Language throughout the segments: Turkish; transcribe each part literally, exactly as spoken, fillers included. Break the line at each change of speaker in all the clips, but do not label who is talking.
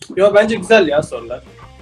Yo bence güzel ya sorular.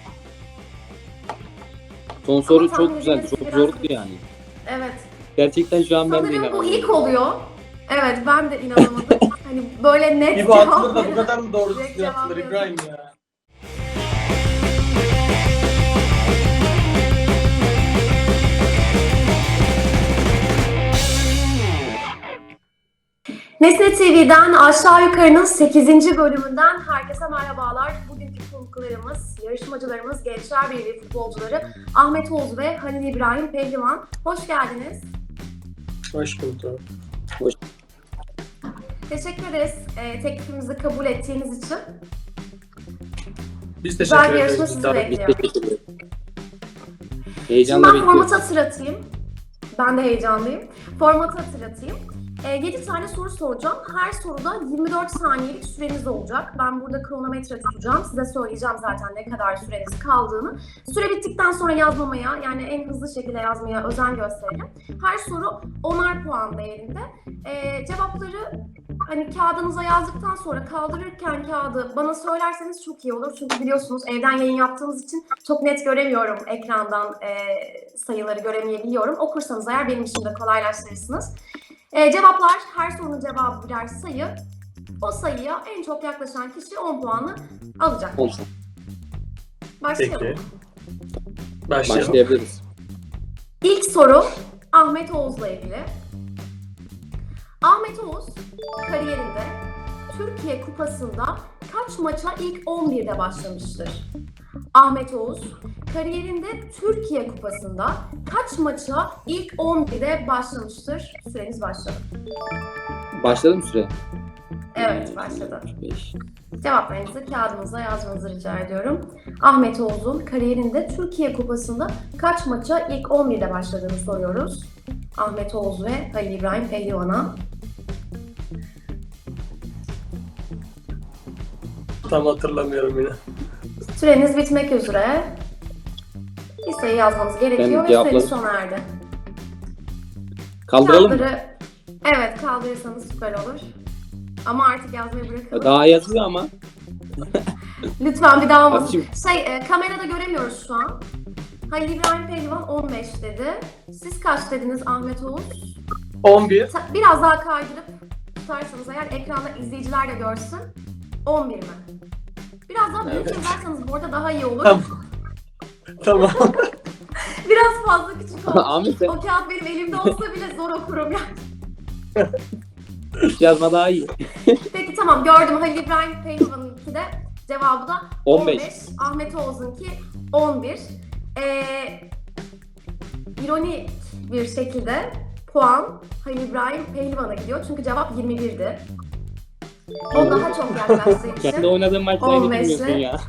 Son soru
Ama
çok
tahmin
güzel,
edilmesi
çok
biraz
zordu
güç.
yani.
Evet.
Gerçekten şu an ben de
Sanırım bu
inanamadım.
ilk oluyor. Evet, ben de inanamadım. Hani böyle net
İbo atılır da bu
veren-
kadar mı doğru
direkt
düzgün
cevap
atılır
yazın.
İbrahim ya?
Nesne T V'den Aşağı Yukarı'nın sekizinci bölümünden herkese merhabalar. Bugünkü konuklarımız, yarışmacılarımız, Gençler Birliği futbolcuları Ahmet Oğuz ve Halil İbrahim Pehlivan. Hoş geldiniz.
Hoş bulduk.
Teşekkür ederiz e, teklifimizi kabul ettiğiniz için.
Biz
Güzel
teşekkür
bir yarışma
ederiz.
sizi
Tabii.
Biz
bekliyor.
teşekkür ederiz.
Şimdi
Heyecanla
ben
bekliyorum.
formatı hatırlatayım. Ben de heyecanlıyım. Formatı hatırlatayım. E, yedi tane soru soracağım. Her soruda yirmi dört saniyelik süreniz olacak. Ben burada kronometre tutacağım. Size söyleyeceğim zaten ne kadar süreniz kaldığını. Süre bittikten sonra yazmamaya, yani en hızlı şekilde yazmaya özen gösterelim. Her soru onar puan değerinde. E, cevapları hani kağıdınıza yazdıktan sonra kaldırırken kağıdı bana söylerseniz çok iyi olur. Çünkü biliyorsunuz evden yayın yaptığımız için çok net göremiyorum ekrandan, e, sayıları göremeyebiliyorum. Okursanız eğer benim için de kolaylaştırırsınız. E, cevaplar, her sorunun cevabı birer sayı. O sayıya en çok yaklaşan kişi on puanı alacak.
Olsun.
Başlayalım.
Peki. Başlayalım.
Başlayabiliriz.
İlk soru Ahmet Oğuz'la ilgili. Ahmet Oğuz kariyerinde Türkiye Kupası'nda kaç maça ilk on birde başlamıştır? Ahmet Oğuz kariyerinde Türkiye Kupası'nda kaç maça ilk on birde başlamıştır? Süreniz başladı.
Başladı mı süre?
Evet, başladı.
beş.
Cevaplarınızı kağıdınıza yazmanızı rica ediyorum. Ahmet Oğuz'un kariyerinde Türkiye Kupası'nda kaç maça ilk on birde başladığını soruyoruz. Ahmet Oğuz ve Halil İbrahim Pehlivan'a.
Tam hatırlamıyorum yine.
Süreniz bitmek üzere. Bir sayı yazmanız gerekiyor ve
cevapladım.
süreniz sona erdi.
Kaldıralım mı?
Kağıtları, evet, kaldırırsanız süper olur. Ama artık yazmayı bırakalım.
Daha yazıyor ama.
Lütfen bir daha olmasın.
Şimdi-
Şey, e, kamerada göremiyoruz şu an. Halil İbrahim Pehlivan on beş dedi. Siz kaç dediniz Ahmet Oğuz?
on bir.
Ta- Biraz daha kaydırıp tutarsanız eğer ekranda izleyiciler de görsün. on bir mi? Biraz daha büyük
Evet.
yazarsanız bu arada daha iyi olur.
Tamam. Tamam.
Biraz fazla küçük olmuş.
Ahmet sen
O kağıt benim elimde olsa bile zor okurum yani.
yazma daha iyi.
Peki tamam, gördüm. Halil İbrahim Pehlivan'ınki de cevabı da on
on
beş.
beş.
Ahmet Oğuz'unki on bir. Ee, ironik bir şekilde puan Halil İbrahim Pehlivan'a gidiyor. Çünkü cevap yirmi birdi. O daha çok yaklaştığı için.
Kendi oynadığın maçlara
on beşle.
gitmiyorsun ya.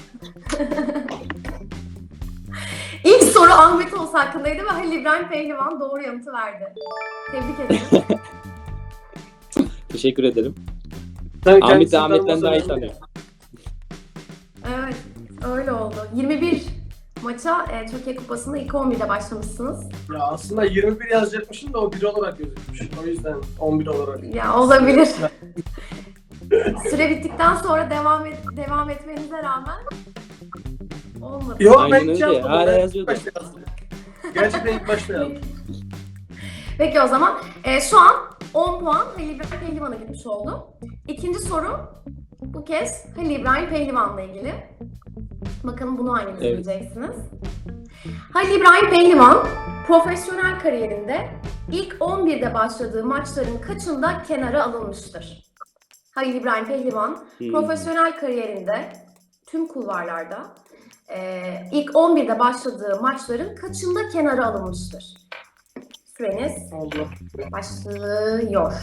İlk soru Ahmet Oğuz hakkındaydı ve Halil İbrahim Pehlivan doğru yanıtı verdi. Tebrik ederim.
Teşekkür ederim.
Tabii
Ahmet de
kendisinden
Ahmet'ten daha iyi
olsa
tanıyor.
Evet, öyle oldu. yirmi bir maça e, Türkiye Kupası'nda ilk on birde başlamışsınız.
Ya aslında yirmi bir yazacakmışım da o bir olarak gözükmüş. O yüzden on bir olarak.
Ya olabilir. Süre bittikten sonra devam et, devam etmenize rağmen olmadı.
Yok
Aynen
ben hiç
öyle.
yazmadım.
Hala
Ben ilk
yazıyordu.
başta yazdım. Gerçekten ilk başta yazdım.
Peki o zaman e, şu an on puan Halil İbrahim Pehlivan'a gitmiş oldu. İkinci soru bu kez Halil İbrahim Pehlivan'la ilgili. Bakalım bunu hanginiz
Evet.
bileceksiniz. Halil İbrahim Pehlivan profesyonel kariyerinde ilk on birde başladığı maçların kaçında kenara alınmıştır? Halil İbrahim Pehlivan
Hmm.
profesyonel kariyerinde tüm kulvarlarda e, ilk on birde başladığı maçların kaçında kenara alınmıştır? Süreniz
Allah.
başlıyor.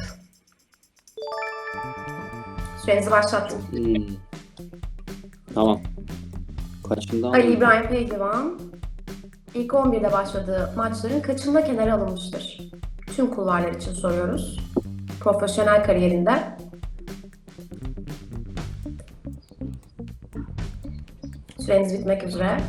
Sürenizi başlattım.
Hmm. Tamam. Kaçından?
Ali İbrahim Pehlivan ilk on birde başladığı maçların kaçında kenara alınmıştır? Tüm kulvarlar için soruyoruz. Profesyonel kariyerinde. Süreniz bitmek üzere.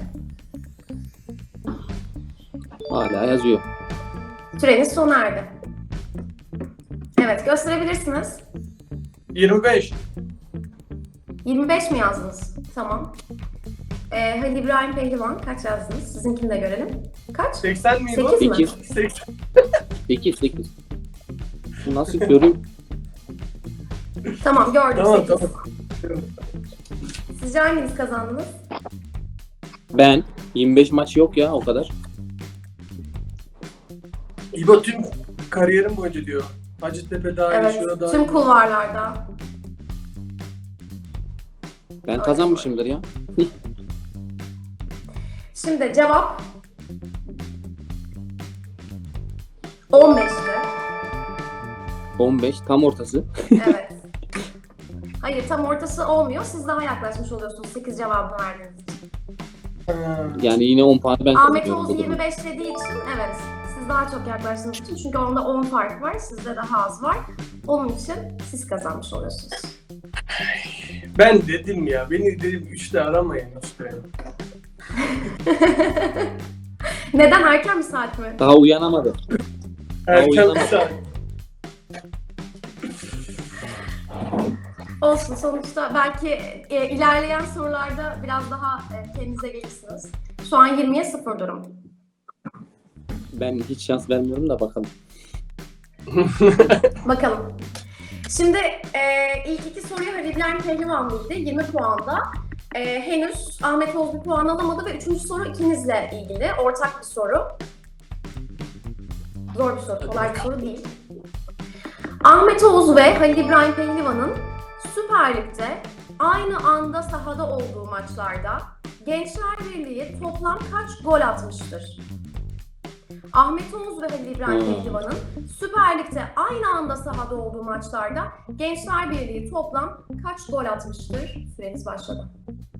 Hala yazıyor.
Süreniz sona erdi. Evet, gösterebilirsiniz.
yirmi beş.
yirmi beş mi yazdınız? Tamam. Ee, Halil İbrahim Pehlivan kaç yazdınız? Sizinkini de görelim. Kaç?
seksen miydi o?
sekiz mi?
Sekiz.
seksen.
sekiz sekiz. Bu nasıl görüm?
Tamam gördüm
Tamam
sekiz.
tamam.
Sizce hanginiz kazandınız?
Ben yirmi beş maç yok ya o kadar.
İbo tüm kariyerim boyunca diyor. Hacettepe dahil,
Evet,
şurada dahil.
tüm kulvarlarda.
Ben kazanmışımdır ya.
Şimdi cevap on beşti.
on beş tam ortası.
Evet. Hayır tam ortası olmuyor. Siz daha yaklaşmış oluyorsunuz sekiz cevabını verdiğiniz için.
Ha.
Yani yine on puan ben
Ahmet
kazanıyorum.
Oğuz
bu durumda.
yirmi beş dediği için evet siz daha çok yaklaştığınız için çünkü onda on fark var sizde daha az var. Onun için siz kazanmış oluyorsunuz.
Ben dedim ya, beni dedim üçte aramayın işte.
Neden erken bir saat mi?
Daha uyanamadı.
Erken bir
uyanamadım.
saat.
Olsun sonuçta belki e, ilerleyen sorularda biraz daha e, kendinize gelirsiniz. Şu an yirmiye sıfır durum.
Ben hiç şans vermiyorum da bakalım.
Bakalım. Şimdi e, ilk iki soruyu Halil İbrahim Pehlivan bildi yirmi puanda. E, henüz Ahmet Oğuz bir puan alamadı ve üçüncü soru ikinizle ilgili ortak bir soru. Zor bir soru, kolay bir soru değil. Ahmet Oğuz ve Halil İbrahim Pehlivan'ın Süper Lig'de aynı anda sahada olduğu maçlarda Gençler Birliği toplam kaç gol atmıştır? Ahmet Oğuz ve Halil İbrahim
Hmm.
Pehlivan'ın Süper Lig'de aynı anda sahada olduğu maçlarda Gençler Birliği toplam kaç gol atmıştır? Süreniz başladı.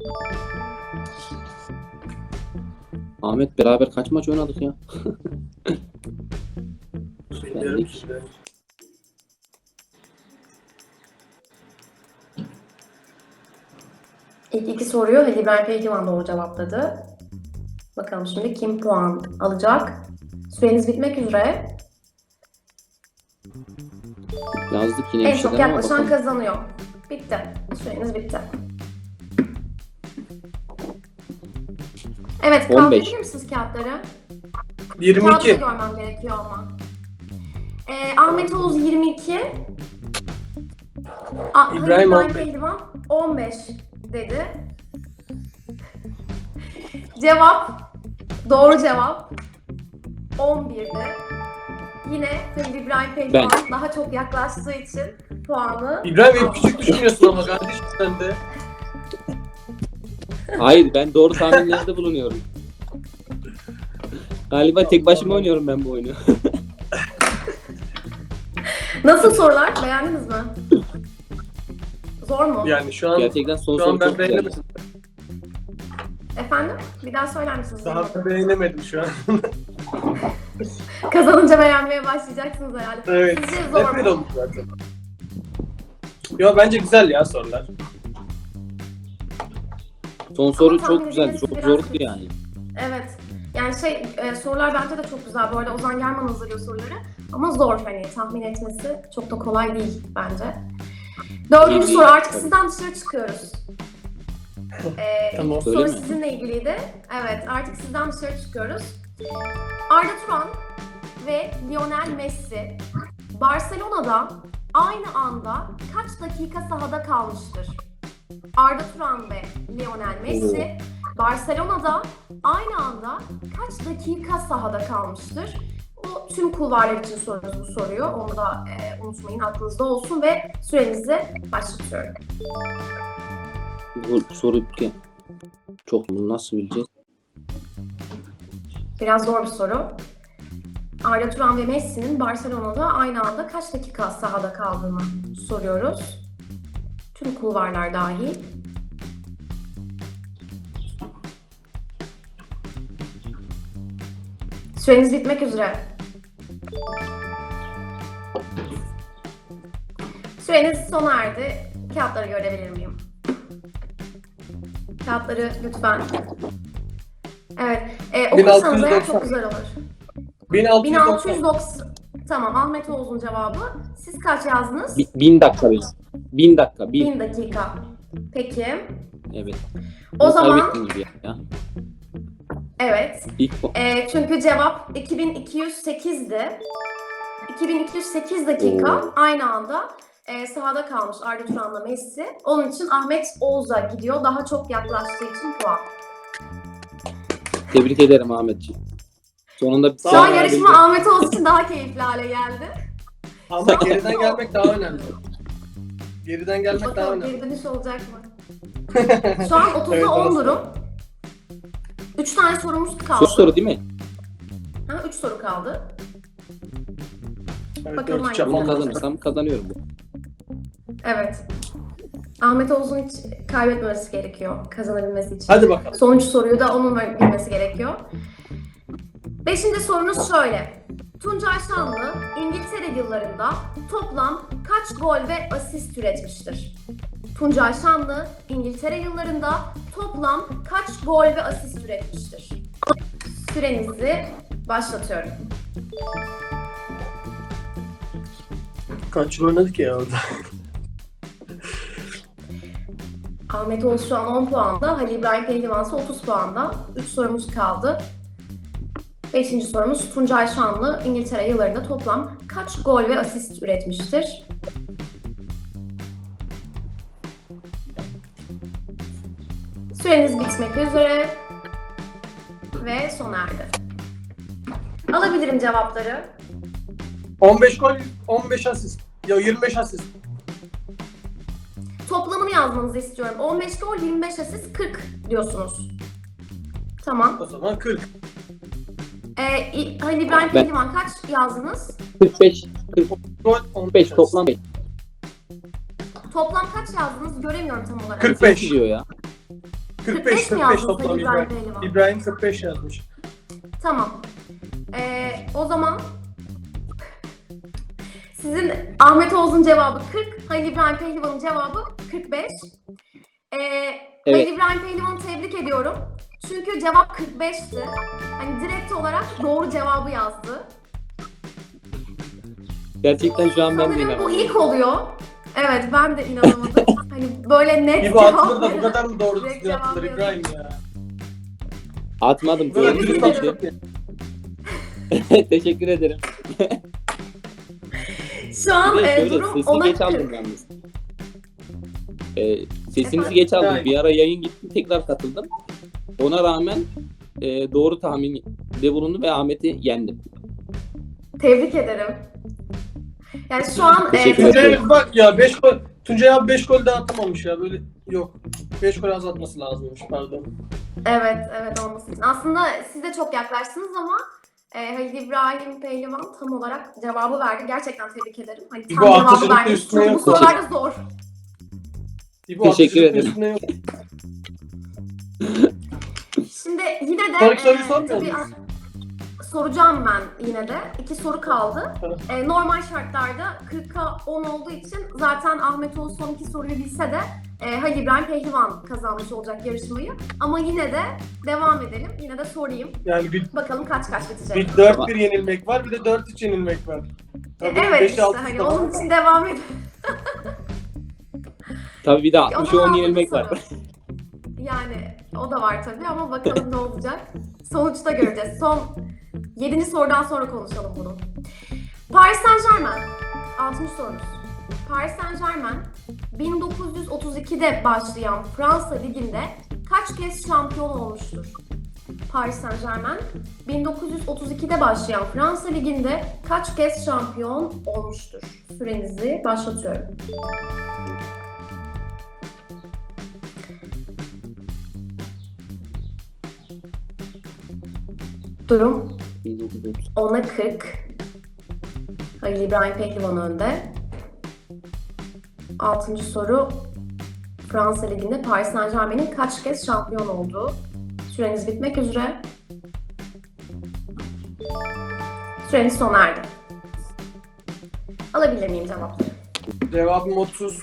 Ahmet beraber kaç maç oynadık ya?
Bilmiyorum işte.
İlk iki soruyu Halil İbrahim Pehlivan doğru cevapladı. Bakalım şimdi kim puan alacak? Süreniz bitmek üzere.
Yazdık yine
En
bir
çok
şeyler ama
yaklaşan
bakalım.
kazanıyor. Bitti. Süreniz bitti. Evet,
on
kaldırabilir
beş.
misiniz kağıtları?
yirmi
Kağıdı da
iki.
görmem gerekiyor ama. Ee, Ahmet Oğuz yirmi iki. A- Halil
İbrahim
İbrahim
on beş.
Pehlivan on beş dedi. Cevap, doğru cevap on birdi. Yine Halil İbrahim Pehlivan daha çok yaklaştığı için puanı
İbrahim hep
aldı.
küçük düşünüyorsun ama kardeşim sen de.
Hayır ben doğru tahminlerde bulunuyorum. Galiba tek başıma oynuyorum ben bu oyunu.
Nasıl sorular? Beğendiniz mi? Zor mu?
Yani şu an
Gerçekten son
şu
soru
an ben
çok güzeldi.
beğenemedim.
Efendim? Bir daha söyler misiniz?
Daha ben beğenemedim şu an.
Kazanınca beğenmeye başlayacaksınız herhalde.
Evet.
Sizce zor
Hep bir
mu?
olmuş zaten. Yo bence güzel ya sorular.
Son soru
Ama
çok
tahmin
güzeldi.
edilmesi
Çok
biraz
zordu
güç.
yani.
Evet. Yani şey e, sorular bence de çok güzel. Bu arada Ozan German hazırlıyor soruları. Ama zor hani tahmin etmesi çok da kolay değil bence. Dördüncü
İyi,
soru
iyi.
artık
Tabii.
sizden dışarı çıkıyoruz. Ee,
Tamam.
ilk
Öyle
soru
mi?
sizinle ilgiliydi. Evet artık sizden dışarı çıkıyoruz. Arda Turan ve Lionel Messi Barcelona'da aynı anda kaç dakika sahada kalmıştır? Arda Turan ve Lionel Messi Barcelona'da aynı anda kaç dakika sahada kalmıştır? Bu tüm kulvarlar için soruyoruz bu soruyu. Onu da e, unutmayın, aklınızda olsun ve sürenizi başlatıyorum.
Bu soru ki çok bunu nasıl bileceğiz?
Biraz zor bir soru. Arda Turan ve Messi'nin Barcelona'da aynı anda kaç dakika sahada kaldığını soruyoruz. Tüm kulvarlar dahil. Süreniz bitmek üzere. Süreniz sona erdi. Kağıtları görebilir miyim? Kağıtları lütfen. Evet. E, okursanız eğer çok güzel olur.
bin altı
bin
yüz
altı
doksan.
yüz doksan. Tamam, Ahmet Oğuz'un cevabı. Siz kaç yazdınız?
Bi- bin dakika biz. Bin dakika. Bin.
bin dakika. Peki.
Evet.
O zaman
Kaybettin gibi ya.
evet.
İlk bu.
E, çünkü cevap iki bin iki yüz sekizdi. iki bin iki yüz sekiz dakika
Oo.
aynı anda e, sahada kalmış Arda Turan'la Messi. Onun için Ahmet Oğuz'a gidiyor. Daha çok yaklaştığı için puan.
Tebrik ederim Ahmetciğim. Sonunda bir
Şu an
Sağ ol,
yarışma Ahmet Oğuz için daha keyifli hale geldi.
Ama geriden gelmek daha önemli. Geriden gelmek daha
Bakalım
önemli.
geri dönüş olacak mı? Şu an otuzda
Evet,
on
orası.
durum. üç tane sorumuz kaldı.
Sus soru değil mi?
Ha, üç soru kaldı.
Evet,
Bakalım
dört üç
hangisi
Ama
yapalım.
kazanırsam kazanıyorum bu.
Evet. Ahmet Oğuz'un hiç kaybetmemesi gerekiyor kazanabilmesi için.
Hadi bakalım.
Sonuncu soruyu da onun bilmesi gerekiyor. Beşinci sorunuz şöyle. Tuncay Şanlı İngiltere yıllarında toplam kaç gol ve asist üretmiştir? Tuncay Şanlı İngiltere yıllarında toplam kaç gol ve asist üretmiştir? Sürenizi başlatıyorum.
Kaç yıl oynadık ya orada?
Ahmet Oğuz şu an on puanda, Halil İbrahim Pehlivan ise otuz puanda. üç sorumuz kaldı. Beşinci sorumuz Tuncay Şanlı İngiltere yıllarında toplam kaç gol ve asist üretmiştir? Süreniz bitmek üzere ve sona erdi. Alabilirim cevapları.
on beş gol, on beş asist. Ya yirmi beş asist.
Toplamını yazmanızı istiyorum. on beş gol, yirmi beş asist, kırk diyorsunuz. Tamam.
O zaman kırk.
Ee, İ- Halil İbrahim
Ben-
Pehlivan kaç yazdınız?
kırk beş,
Gol
kırk
on
beş
beş
toplam beş.
Toplam kaç yazdınız? Göremiyorum tam olarak.
kırk beş.
diyor ya.
kırk beş,
kırk beş mi
kırk beş
yazdınız
toplam
Halil İbrahim
İbrahim.
Pehlivan?
İbrahim kırk beş yazmış.
Tamam. Ee, o zaman sizin Ahmet Oğuz'un cevabı kırk, Halil İbrahim Pehlivan'ın cevabı kırk beş. Ee,
Evet.
Halil İbrahim Pehlivan'ı tebrik ediyorum. Çünkü cevap kırk beşti. Hani direkt olarak doğru cevabı yazdı.
Gerçekten şu an ben de
Sanırım bu
inanamıyorum.
ilk oluyor. Evet, ben de inanamadım. Hani böyle net
İbo
cevap
atılır da bu
veren-
kadar mı doğru
direkt
düzgün atılır
cevap
İbrahim ya?
Atmadım.
Bu kadar
Tebrik
dürüst
ederim.
atılır ya.
Teşekkür ederim.
Şu an
Bir de
e,
şöyle
durum
sesini
ona
geç aldım
kırk.
yalnız. Ee, sesinizi
Efendim?
geç aldım.
Yani.
Bir ara yayın gitti tekrar katıldım. Ona rağmen e, doğru tahminde bulundu ve Ahmet'i yendim.
Tebrik ederim. Yani şu an e,
Teşekkür ederim.
Tuncay'a bak ya beş gol. Tuncay abi beş gol daha atamamış ya böyle yok. beş gol azaltması lazımmış pardon.
evet, evet olması için. Aslında siz de çok yaklaştınız ama e, Halil İbrahim Pehlivan tam olarak cevabı verdi. Gerçekten tebrik ederim. Hani tam
Bu
cevabı
atıcılık da
verdi.
üstüne
Çünkü bu
yok.
sorular da zor.
İbo
Teşekkür
atışın
ederim.
üstüne yok.
Şimdi yine de
Sonraki soruyu
e,
sormuyor
tabii,
muyuz?
soracağım ben yine de. İki soru kaldı.
Tamam.
E, normal şartlarda kırka on olduğu için zaten Ahmet Oğuz son iki soruyu bilse de e, Halil İbrahim Pehlivan kazanmış olacak yarışmayı. Ama yine de devam edelim. Yine de sorayım.
Yani bir,
Bakalım kaç kaç bitecek.
bir dört bir yenilmek var bir de dört üç yenilmek var.
E,
Tabii
evet
beş
işte
altı
hani
da var.
onun için devam edelim.
Tabii bir de
O
altmış
zaman
on
altıncı
yenilmek
soru.
var.
Yani o da var tabii ama bakalım ne olacak. Sonuçta göreceğiz. Son yedinci sorudan sonra konuşalım bunu. Paris Saint-Germain. altıncı sorumuz. Paris Saint-Germain bin dokuz yüz otuz ikide başlayan Fransa Ligi'nde kaç kez şampiyon olmuştur? Paris Saint-Germain bin dokuz yüz otuz ikide başlayan Fransa Ligi'nde kaç kez şampiyon olmuştur? Sürenizi başlatıyorum. Durum
bin dokuz yüz otuz.
ona kırk. Halil İbrahim Pehlivan önde. Altıncı soru. Fransa Ligi'nde Paris Saint-Germain'in kaç kez şampiyon olduğu. Süreniz bitmek üzere. Süreniz sona erdi. Alabilir miyim cevapları?
Cevabım otuz.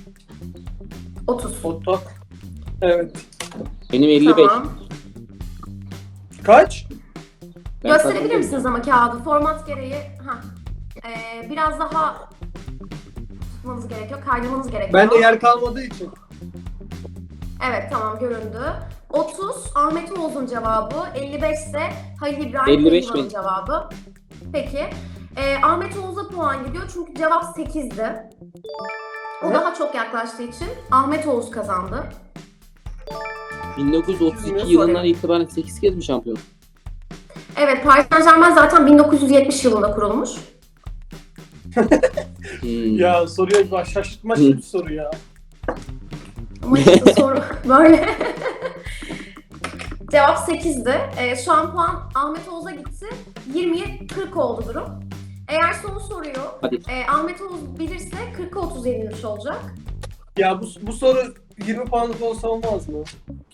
otuz.
Otak. Evet.
Benim elli beş.
Tamam.
Kaç?
Ben
Gösterebilir
kazandım.
misiniz ama kağıdı? Format gereği. Heh. Ee, biraz daha tutmanız gerekiyor, kaynamanız gerekiyor.
Ben de yer kalmadığı için.
Evet tamam göründü. otuz Ahmet Oğuz'un cevabı, elli beş ise Halil İbrahim
elli beş
Pehlivan'ın
mi?
cevabı. Peki. Ee, Ahmet Oğuz'a puan gidiyor çünkü cevap sekizdi. O
Ne?
daha çok yaklaştığı için Ahmet Oğuz kazandı.
bin dokuz yüz otuz
Ne
iki yılından
sorayım?
itibaren sekiz kez mi şampiyon?
Evet, Paris Saint-Germain zaten bin dokuz yüz yetmiş yılında kurulmuş.
Hmm.
Ya soruya bak, şaşırtma bir soru ya.
Ama işte soru böyle. Cevap sekizdi. Ee, şu an puan Ahmet Oğuz'a gitti. yirmiye kırk oldu durum. Eğer son soruyu
Hadi.
e, Ahmet Oğuz bilirse kırka otuz yenilmiş olacak.
Ya bu, bu soru yirmi puanlık olsa olmaz mı?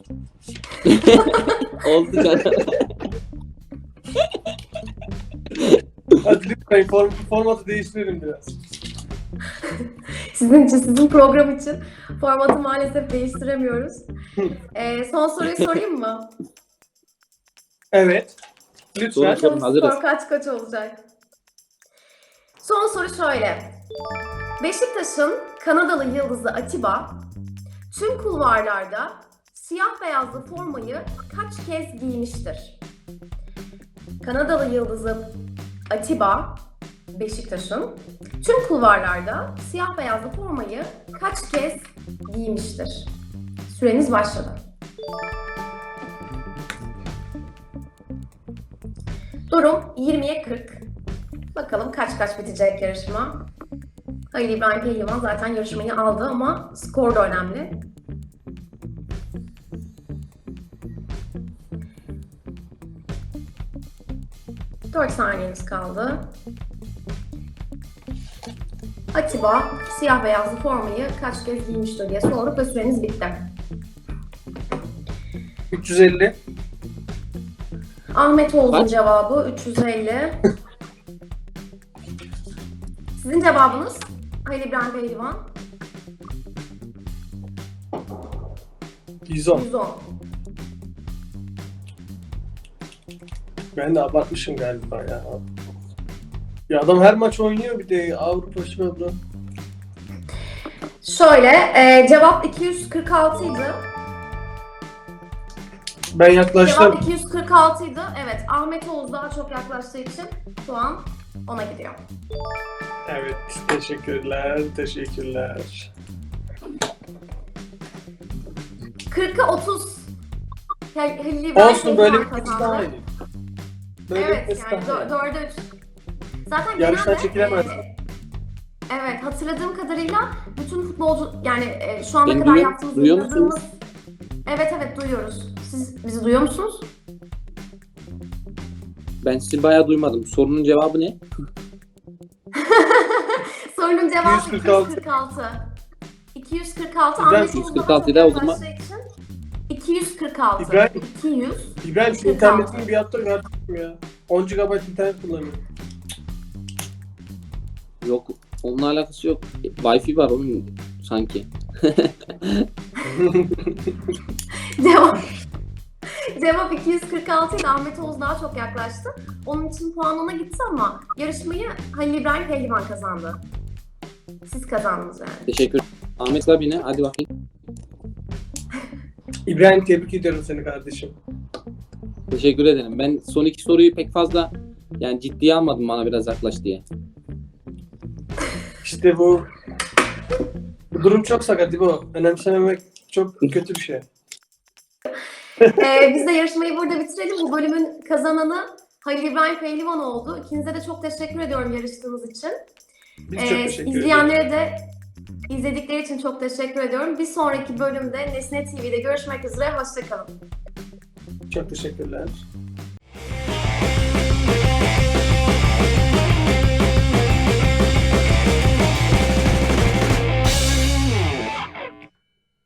Oldu canım.
Hadi lütfen form, formatı değiştirelim biraz.
Sizin için, sizin program için formatı maalesef değiştiremiyoruz. Ee, son soruyu sorayım mı?
Evet. Lütfen.
Sorun.
Bakalım
hazırız.
skor kaç kaç olacak? Son soru şöyle. Beşiktaş'ın Kanadalı yıldızı Atiba tüm kulvarlarda siyah beyazlı formayı kaç kez giymiştir? Kanadalı yıldızı Atiba Beşiktaş'ın tüm kulvarlarda siyah beyazlı formayı kaç kez giymiştir? Süreniz başladı. Durum yirmiye kırk. Bakalım kaç kaç bitecek yarışma. Halil İbrahim Pehlivan zaten yarışmayı aldı ama skor da önemli. dört saniyeniz kaldı. Atiba siyah beyazlı formayı kaç kez giymiştir diye sorduk ve süreniz bitti.
üç yüz elli.
Ahmet Oğuz'un
Kaç?
cevabı üç yüz elli. Sizin cevabınız Halil İbrahim Pehlivan
yüz on.
yüz on.
Ben de abartmışım galiba ya. Ya adam her maç oynuyor bir de Avrupa Şampiyonu.
Şöyle, e, cevap iki yüz kırk altı idi.
Ben yaklaştım.
Cevap iki yüz kırk altı idi. Evet, Ahmet Oğuz daha çok yaklaştığı için puan ona gidiyor.
Evet, teşekkürler, teşekkürler.
kırka otuz. Hal- Halil İbrahim
Olsun böyle
Pehlivan
bir maç daha iyi. Böyle
Evet,
bir
yani
daha iyi.
dörde üç. Zaten
Yarıştan
genelde...
çekilemez.
e, evet, hatırladığım kadarıyla bütün futbolcu, yani e, şu ana
Beni
kadar
duyuyor-
yaptığımız...
duyuyor
yayınladığımız-
musunuz?
Evet, evet duyuyoruz. Siz bizi duyuyor musunuz?
Ben sizi bayağı duymadım. Sorunun cevabı ne?
Sorunun cevabı
iki yüz kırk altı.
iki yüz kırk altı. iki yüz kırk altı.
İbrahim,
Ahmet
iki yüz
Oğuz
kırk
daha
altı
çok
ile o zaman-
yaklaştığı için iki yüz kırk altı.
İbrahim-
iki yüz.
İbrahim şu
kırk
internetini
altı.
bir yaptır artık ya. on gigabayt internet kullanıyorum.
Yok. Onunla alakası yok. Wi-Fi var onun sanki.
Cevap. Cevap iki yüz kırk altı ile Ahmet Oğuz daha çok yaklaştı. Onun için puan ona gitti ama yarışmayı Halil İbrahim Pehlivan kazandı. Siz kazandınız yani.
Teşekkür. Ahmet abi ne? Hadi bakayım.
İbrahim tebrik ediyorum seni kardeşim.
Teşekkür ederim. Ben son iki soruyu pek fazla yani ciddiye almadım bana biraz yaklaş diye.
İşte bu, bu durum çok sakat bu. Önemsememek çok kötü bir şey.
Ee, biz de yarışmayı burada bitirelim. Bu bölümün kazananı Halil İbrahim Pehlivan oldu. İkinize de çok teşekkür ediyorum yarıştığınız için.
Biz çok
Ee,
teşekkür ederiz.
izleyenlere de izledikleri için çok teşekkür ediyorum. Bir sonraki bölümde Nesne T V'de görüşmek üzere. Hoşçakalın.
Çok teşekkürler.